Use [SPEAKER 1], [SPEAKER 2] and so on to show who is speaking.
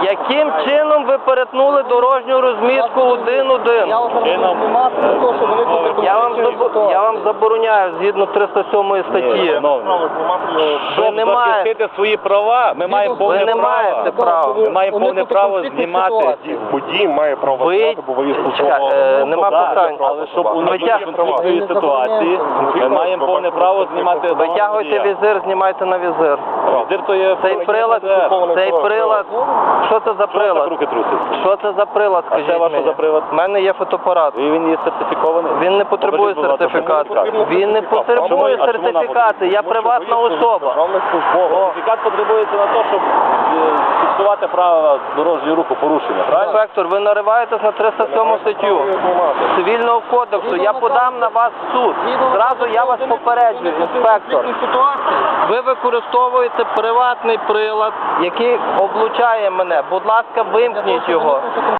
[SPEAKER 1] Яким чином ви перетнули дорожню розмітку 1-1? Я вам забороняю згідно 307 статті.
[SPEAKER 2] Щоб захистити свої права, ми маємо повне
[SPEAKER 1] Ви не
[SPEAKER 2] право.
[SPEAKER 1] маєте права.
[SPEAKER 2] Ми маємо повне право знімати.
[SPEAKER 3] Водій має право
[SPEAKER 1] Ви...
[SPEAKER 3] знати, бо ви службового.
[SPEAKER 1] Нема питань.
[SPEAKER 2] Але щоб уникнути конфліктної ситуації, ми маємо повне право знімати.
[SPEAKER 1] Витягуйте візир, знімайте на візир.
[SPEAKER 2] Візир то є...
[SPEAKER 1] Цей прилад, що це за прилад?
[SPEAKER 2] Руки трусять.
[SPEAKER 1] Що це за прилад,
[SPEAKER 2] А це
[SPEAKER 1] скажіть
[SPEAKER 2] ваш
[SPEAKER 1] мені?
[SPEAKER 2] за прилад?
[SPEAKER 1] У мене є фотоапарат.
[SPEAKER 2] І він є сертифікований?
[SPEAKER 1] Він не потребує
[SPEAKER 2] Покажіть, будь ласка,
[SPEAKER 1] сертифікату. Він не потребує
[SPEAKER 2] чому вона
[SPEAKER 1] сертифікату, я приватна особа.
[SPEAKER 2] Сертифікат потребується на те, щоб фіксувати правила дорожнього руху порушення, правильно?
[SPEAKER 1] Інспектор, ви нариваєтесь на 307 статтю Цивільного кодексу. Я подам на вас в суд. Зразу я вас попереджую, інспектор. Ви використовуєте приватний прилад, який облучає мене. Будь ласка, вимкніть його.